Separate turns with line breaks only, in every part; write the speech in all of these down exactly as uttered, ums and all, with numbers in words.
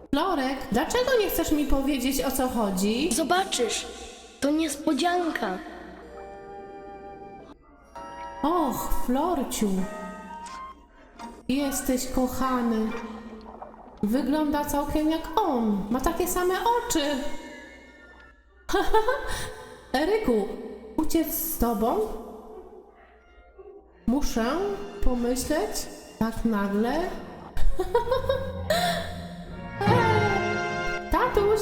Florek, dlaczego nie chcesz mi powiedzieć, o co chodzi?
Zobaczysz, to niespodzianka.
Och, Florciu. Jesteś kochany. Wygląda całkiem jak on. Ma takie same oczy. Eryku, uciec z tobą? Muszę pomyśleć tak nagle. Tatuś!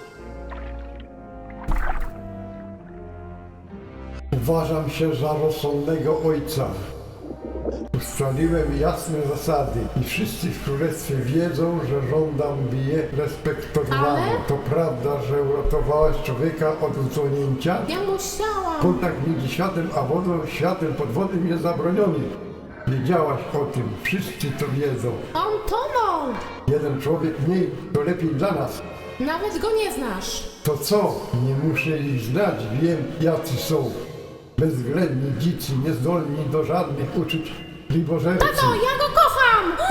Uważam się za rozsądnego ojca. Ustaliłem jasne zasady i wszyscy w królestwie wiedzą, że żądam by je respektowania.
Ale-
To prawda, że uratowałaś człowieka od utonięcia?
Ja musiałam!
Kontakt między światem a wodą, światem podwodnym jest zabroniony. Wiedziałaś o tym, wszyscy to wiedzą.
On tonął!
Jeden człowiek mniej, to lepiej dla nas.
Nawet go nie znasz.
To co? Nie muszę ich znać, wiem jacy są. Bezwzględni, dzicy, niezdolni do żadnych uczuć, libożercy.
Tato, ja go kocham!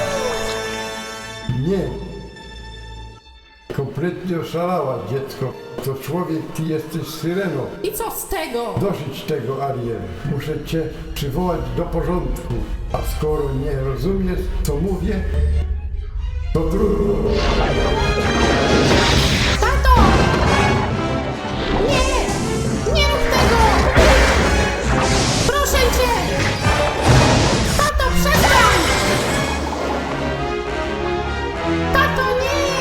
Nie. Kompletnie oszalałaś, dziecko. To człowiek, ty jesteś syreną.
I co z tego?
Dosyć tego, Ariel. Muszę cię przywołać do porządku. A skoro nie rozumiesz, co mówię, to trudno.
Tato! Nie! Nie rób tego! Proszę cię! Tato, przestań! Tato, nie!